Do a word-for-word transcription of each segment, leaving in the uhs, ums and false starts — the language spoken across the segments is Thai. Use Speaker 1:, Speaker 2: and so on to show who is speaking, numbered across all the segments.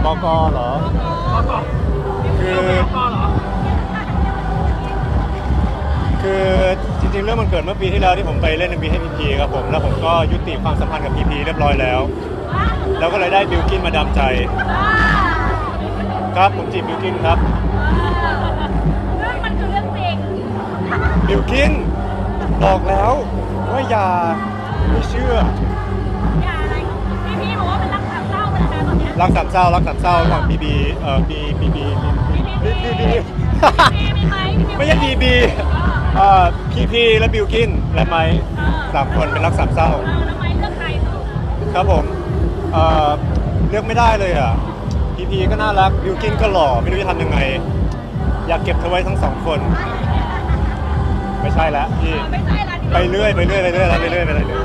Speaker 1: กเหรอคือคือจริงๆเรื่องมันเกิดเมื่อปีที่แล้วที่ผมไปเล่น เอ็ม วี ให้พีพีครับผมแล้วผมก็ยุติความสัมพันธ์กับพีพีเรียบร้อยแล้วแล้วก็เลยได้บิลกินมาดามใจครับผมจีบบิลกินครับ
Speaker 2: เรื่องมันคือเรื่องจริง
Speaker 1: บิลกินบอกแล้วว่าอย่าไม่เชื่อ
Speaker 2: อย่าอะไรพี่พี่บอกว่าเป็นรักสามเศร้าเป็นอะไรตอนนี้
Speaker 1: รักสามเศร้ารักสามเศร้าระหว่างบีบีเอ่อบีบีบีบีบีบีไม่ใช่บีบีเอ่อพีพีและบิลกินและไมค์สามคนเป็นรักสามเศร้า
Speaker 2: แล้วไมค์เลือกใคร
Speaker 1: ครับผมเอ่อเลือกไม่ได้เลยอ่ะพีพีก็น่ารักบิลกินก็หล่อไม่รู้จะทำยังไงอยากเก็บเธอไว้ทั้งสองคนไม่ใช่แล้วพี่ไปเรื่อยไปเรื่อยไปเรื่อยแล้วไปเรื่อยไปเรื่อย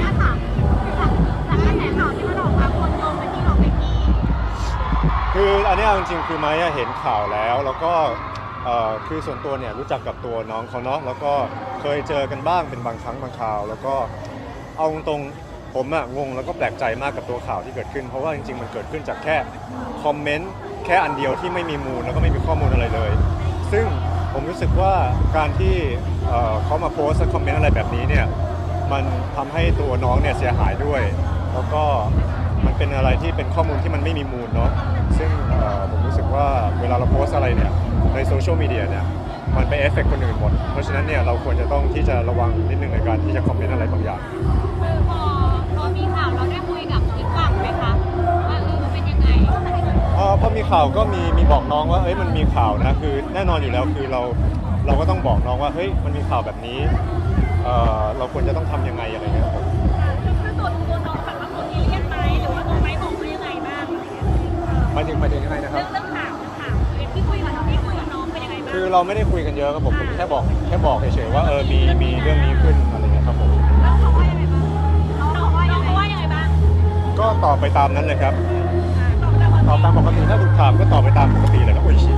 Speaker 1: คืออันนี้จริงๆคือไม้เห็นข่าวแล้วแล้วก็คือส่วนตัวเนี่ยรู้จักกับตัวน้องเขาเนาะแล้วก็เคยเจอกันบ้างเป็นบางครั้งบางคราวแล้วก็เอาตรงๆผมอะงงแล้วก็แปลกใจมากกับตัวข่าวที่เกิดขึ้นเพราะว่าจริงๆมันเกิดขึ้นจากแค่คอมเมนต์แค่อันเดียวที่ไม่มีมูลแล้วก็ไม่มีข้อมูลอะไรเลยซึ่งผมรู้สึกว่าการที่เขามาโพสต์คอมเมนต์อะไรแบบนี้เนี่ยมันทำให้ตัวน้องเนี่ยเสียหายด้วยแล้วก็มันเป็นอะไรที่เป็นข้อมูลที่มันไม่มีมูลเนาะซึ่งผมรู้สึกว่าเวลาเราโพสต์อะไรเนี่ยในโซเชียลมีเดียเนี่ยมันไปเอฟเฟกต์คนอื่นหมดเพราะฉะนั้นเนี่ยเราควรจะต้องที่จะระวังนิดนึงในการที่จะคอมเมนต์อะไรบางอย่าง
Speaker 2: คือพอพอมีข่าวเราได้คุยกับอีกฝั่งไหมคะว่าเออมันเป็นยังไง
Speaker 1: พอมีข่าวก็มีมีบอกน้องว่าเฮ้ยมันมีข่าวนะคือแน่นอนอยู่แล้วคือเราเราก็ต้องบอกน้องว่าเฮ้ยมันมีข่าวแบบนี้เอ่อเราควรจะต้องทำยังไงอะไรเงี้ยครับ
Speaker 2: คือตัวตัวน้องแบบว่าตัวนี้เรียกไหมหรือว่าตัวไม่บอกว่ายังไงบ้าง
Speaker 1: หมายถึงหมายถึงยังไงนะครับ
Speaker 2: เรื่องข่าวเรื่องข่าวที่คุยกับน้องที่คุยกับน้องเป็นยังไงบ้าง
Speaker 1: คือเราไม่ได้คุยกันเยอะครับผมผมแค่บอกแค่บอกเฉยๆว่าเออมีมีเรื่องนี้ขึ้นอะไรเงี้ยครับผม
Speaker 2: แล้วเขาว่ายังไงบ้างน้องว่ายังไงว่ายังไงบ้าง
Speaker 1: ก็ตอบไปตามนั้นเลยครับตอบตามปกติถ้าถูกถามก็ตอบไปตามปกติเลยครับโอ้ยชิ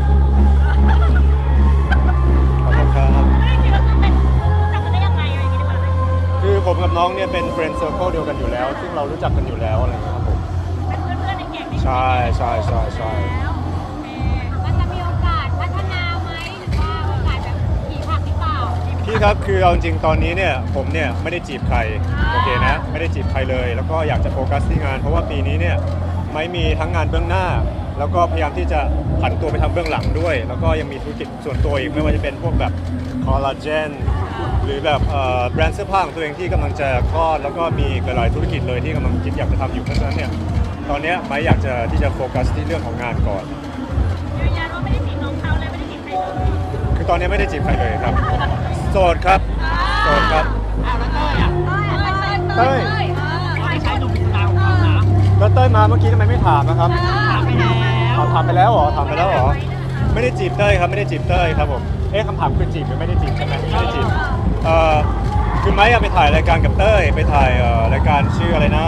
Speaker 1: ขอบคุณครับคือผมกับน้องเนี่ยเป็นเฟรนด์เซอร์เคิลเดียวกันอยู่แล้วซึ่งเรารู้จักกันอยู่แล้วอะไรอย่างเงี้ยครับผม
Speaker 2: เป็นเพื่อนๆในแก๊ง
Speaker 1: ใช่ใช่ใช่ใช่
Speaker 2: มันจะมีโอกาสพัฒนาไหมหรือว่าโอกาสแบบขี่ผักหรือเปล่า
Speaker 1: พี่ครับคือเอาจริงตอนนี้เนี่ยผมเนี่ยไม่ได้จีบใครโอเคนะไม่ได้จีบใครเลยแล้วก็อยากจะโฟกัสที่งานเพราะว่าปีนี้เนี่ยไม่มีทั้งงานเบื้องหน้าแล้วก็พยายามที่จะผันตัวไปทำเบื้องหลังด้วยแล้วก็ยังมีธุรกิจส่วนตัวอีกไม่ว่าจะเป็นพวกแบบคอลลาเจนหรือแบบแบรนด์เสื้อผ้าของตัวเองที่กำลังจะคลอดแล้วก็มีหลายธุรกิจเลยที่กำลังคิดอยากจะทำอยู่เพราะฉะนั้นเนี่ยตอนนี้ไม่อยากจะที่จะโฟกัสที่เรื่องของงานก่อน
Speaker 2: ยืนยันว่าไม่ได้จีบน้องเขาเลยไม่ได้จีบใครเลย
Speaker 1: คือตอนนี้ไม่ได้จีบใครเลยครับโสดครับโสดครับ
Speaker 2: เต้ย
Speaker 1: ไม่ใช่หนุ่มสาวของเขานะแล้วเต้ยมาเมื่อกี้ทำไมไม่ถามนะครับ
Speaker 2: ถามไปแล้ว
Speaker 1: ถามไปแล้วเหรอถามไปแล้วเหรอไม่ได้จีบเต้ยครับไม่ได้จีบเต้ยครับผมเอ๊ะคำถามคือจีบหรือไม่ได้จีบใช่ไหมไม่ได้จีบเอ่อคือไม้ไปถ่ายรายการกับเต้ยไปถ่ายเอ่อรายการชื่ออะไรนะ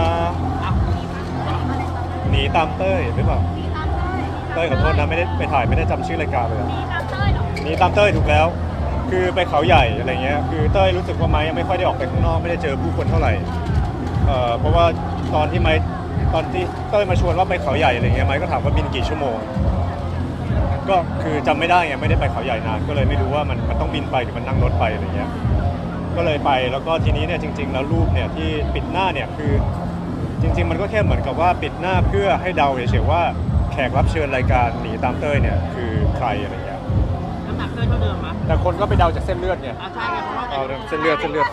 Speaker 1: หนีตามเต้ยหรือเปล่าเต้ยขอโทษนะไม่ได้ไปถ่ายไม่ได้จำชื่อรายการเลยหนีตามเต้ยถูกแล้วคือไปเขาใหญ่อะไรเงี้ยคือเต้ยรู้สึกว่าไม้ยังไม่ค่อยได้ออกไปข้างนอกไม่ได้เจอผู้คนเท่าไหร่เอ่อเพราะว่าตอนที่ไม้ตอนที่เต้ยมาชวนว่าไปเขาใหญ่อะไรเงี้ยไม้ก็ถามว่าบินกี่ชั่วโมงก็คือจำไม่ได้ไงไม่ได้ไปเขาใหญ่นานก็เลยไม่รู้ว่ามันมันต้องบินไปหรือมันนั่งรถไปอะไรเงี้ยก็เลยไปแล้วก็ทีนี้เนี่ยจริงๆแล้วรูปเนี่ยที่ปิดหน้าเนี่ยคือจริงๆมันก็แค่เหมือนกับว่าปิดหน้าเพื่อให้เดาเฉยๆว่าแขกรับเชิญรายการหนีตามเต้ยเนี่ยคือใครอะไรเงี้ย
Speaker 3: น้ำหนักเต้ยเท่าเดิมมั้ย
Speaker 1: แต่คนก็ไปเดาจากเส้นเลือดไง
Speaker 3: อ่าใช่ไงเพราะว่า
Speaker 1: เอาเส้นเลือดเส้นเลือด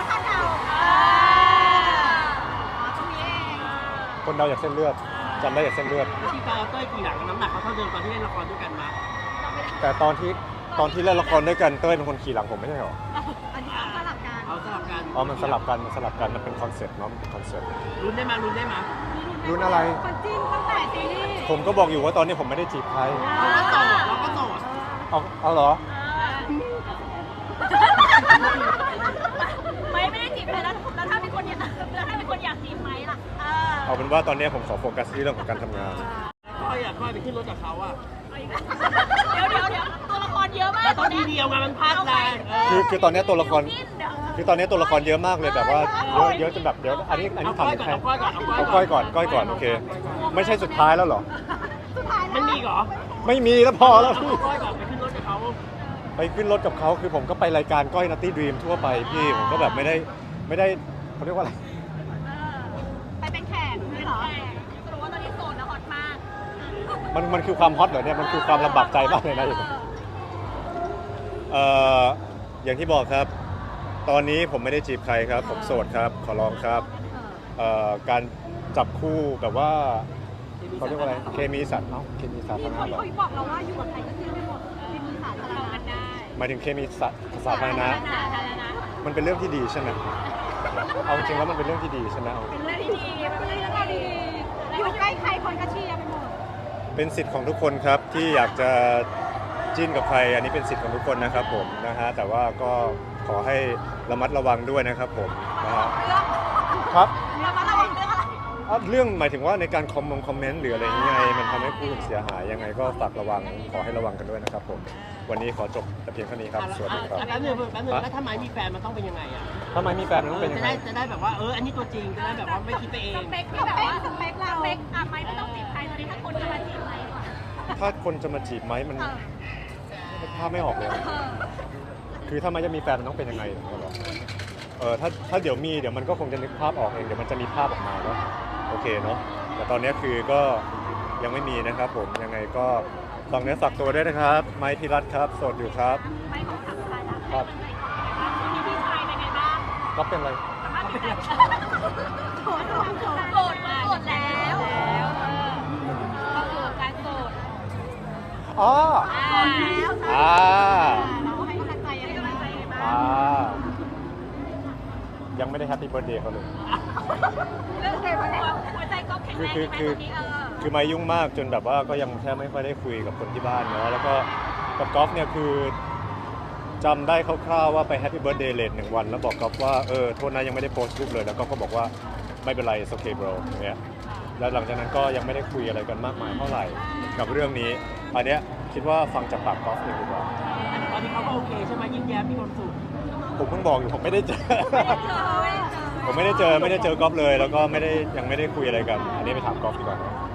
Speaker 1: คนเดาจากเส้นเลือดจำได้จากเส้นเลือด
Speaker 3: ที่ตอนเต้ยกี่หลังน้ำหนักเขาเท่าเดิมตอนที่เล่นละครด้วยกันมา
Speaker 1: แต่ตอนที่ตอนที่เล่นละครด้วยกันเต้ยเป็นคนขี่หลังผมไม่ใช่หรอ
Speaker 2: อันนี้สลับกัน
Speaker 3: เอาสลับกัน
Speaker 1: อ๋อมันสลับกันมันสลับกันมันเป็นคอนเซ็ปต์เนาะมันเป็นคอนเซ็ปต์
Speaker 3: ลุ้นได้มาลุ้นได้มา
Speaker 1: ลุ้นอะไร
Speaker 2: คนจิ้นตั้งแต่ซีรีส์
Speaker 1: ผมก็บอกอยู่ว่าตอนนี้ผมไม่ได้จีบใคร
Speaker 3: เราก็โสดเราก็โสด
Speaker 1: เอาเอาเหรอ
Speaker 2: ไม่ไม่ได้จีบใครแล้วแล้วถ้าเป็นคนอยากแล้วถ้าเป็นคนอยากจีบไหมล่ะ
Speaker 1: เอาเป็นว่าตอนนี้ผมขอโฟกัสที่เรื่องของการทำงาน
Speaker 3: ก้อยอยากก้อยไปขึ้นรถกับเขาอ่ะ
Speaker 2: เดี๋ยวเดี๋ยวเดี๋ยวตัวละครเยอะมาก
Speaker 3: ตอนทีเดียวไงมันพลาดแรง
Speaker 1: คือคือตอนนี้ตัวละครคือตอนนี้ตัวละครเยอะมากเลยแบบว่าเยอะเยอะจนแบบเดี๋ยวอันนี้อันนี้ถามใครเอาก้อยก่อนก้อยก่อนโอเคไม่ใช่สุดท้ายแล้วหรอ
Speaker 3: มันมีเหรอ
Speaker 1: ไม่มีแล้วพอแล้วพี่
Speaker 3: ก้อยแบบไปขึ้นรถกับเขา
Speaker 1: ไปขึ้นรถกับเขาคือผมก็ไปรายการก้อยนัตตี้ดรีมทั่วไปพี่ผมก็แบบไม่ได้ไม่ได้เขาเรียกว่าอะไร
Speaker 2: ไปเป็นแขกไม่หรอรู้ว่าตอนนี้โสดแล้วฮอตมาก
Speaker 1: มันมันคือความฮอตเหรอเนี่ยมันคือความลำบากใจมากเลยนะเอ่ออย่างที่บอกครับ ตอนนี้ผมไม่ได้จีบใครครับ ผมโสดครับขอร้องครับเอ่อการจับคู่แบบว่าเขาเรียกว่าอะไรเคมีสัตว์เนาะเคมีสาธารณะเหรอ
Speaker 2: เขาบอกเราว่าอยู่กับใครก็เจอไปหมดมีมือสาธารณะได้
Speaker 1: หมายถึงเคมีสัตว์สาธารณะ
Speaker 2: สาธารณะ
Speaker 1: มันเป็นเรื่องที่ดีใช่ไหมเอาจริงแล้วมันเป็นเรื่องที่ดีใช่ไหมเอา
Speaker 2: เป็นเรื่องที่ดีเป็นเรื่องที่ดีอยู่ใกล้ใครคนก็เชียร์ไปหมด
Speaker 1: เป็นสิทธิ์ของทุกคนครับที่อยากจะจิ้นกับใครอันนี้เป็นสิทธิ์ของทุกคนนะครับผมนะฮะแต่ว่าก็ขอให้ระมัดระวังด้วยนะครับผมนะฮะครับ
Speaker 2: เรามาระวังเรื่องอะไร
Speaker 1: อ่ะเรื่องหมายถึงว่าในการคอมมงคอมเมนต์หรืออะไรยังไงมันทำให้ผู้อื่นเสียหายยังไงก็ฝากระวังขอให้ระวังกันด้วยนะครับผมวันนี้ขอจบแต่เพียงเท่านี้ครับสวัสดีครับ
Speaker 3: แป๊บนึงแป๊บนึงแล้วถ้าไม้มีแฟนมันต้องเป็นยังไงอ่ะ
Speaker 1: ทำไมมีแฟนมันต้องเป็นยัง
Speaker 3: จะ
Speaker 1: ไง
Speaker 3: ได้จะได้แบบว่าเอออันนี้ตัวจริงจะได้แบบว่าไม่คิดไปเอง
Speaker 2: สเปคที่แบบว่าสเปคเราสเปคอ่ะไม่ไม่ต้องจีบใครตอนนี้ถ้าคนจะมาจีบไหมก่อน
Speaker 1: ถ้าคนจะมาจีบไหมมันภาพไม่ออกเลย คือถ้ามันจะมีแฟนมันต้องเป็นยังไงเหรอเออถ้าถ้าเดี๋ยวมีเดี๋ยวมันก็คงจะนึกภาพออกเองเดี๋ยวมันจะมีภาพออกมาเนาะโอเคเนาะแต่ตอนนี้คือก็ยังไม่มีนะครับผมยังไงก็ฝากเนื้อฝากตัวด้วยนะครับไมค์พิรัตน์ครับโสดอยู่ครับ
Speaker 2: ไม่ของสามชายนะครับ มีพี่ชายเป็นไงบ้าง
Speaker 1: ก็เป็นอะไร
Speaker 2: สามารถติดใจโสดโสดโสดโสดโสดแล้วแล้วเออเข้าสู่การโสด
Speaker 1: อ๋อ
Speaker 2: โสดแล้ว
Speaker 1: อ่า
Speaker 2: เราให้กำลังใจยังไงบ้าง
Speaker 1: อ่ายังไม่ได้แฮปปี้เบิร์ดเดย์เขาเลย
Speaker 2: เรื่องเกมวันนี้หัวใจก็แข็งแรงใช่ไหมตอนนี้เออ
Speaker 1: คือมายุ่งมากจนแบบว่าก็ยังแทบไม่ค่อยได้คุยกับคนที่บ้านเนาะแล้วก็กับกอล์ฟเนี่ยคือจำได้คร่าวๆว่าไปแฮปปี้เบิร์ดเดย์เลทหนึ่งวันแล้วบอกกอล์ฟว่าเออโทษนะยังไม่ได้โพสต์รูปเลยแล้วก็ก็บอกว่าไม่เป็นไรโอเคบรอย่างเงี้ยแล้วหลังจากนั้นก็ยังไม่ได้คุยอะไรกันมากมายเท่าไหร่กับเรื่องนี้อันเนี้ยคิดว่าฟังจากปากกอล์ฟเองดีกว่า
Speaker 3: แต่ตอนนี้เขาก็โอเคใช่ไหมยิ้มแย้มมีความสุข
Speaker 1: ผมเพิ่งบอกอยู่ผมไม่ได้เจอ
Speaker 2: ไม่ได้เจอไม่ได้เจอ
Speaker 1: ผมไม่ได้เจอไม่ได้เจอกอล์ฟเลย แล้วก็ไม่ได้ยังไม่ได้คุยอะไรกัน อันนี้ไปถามกอล์ฟดีกว่านะ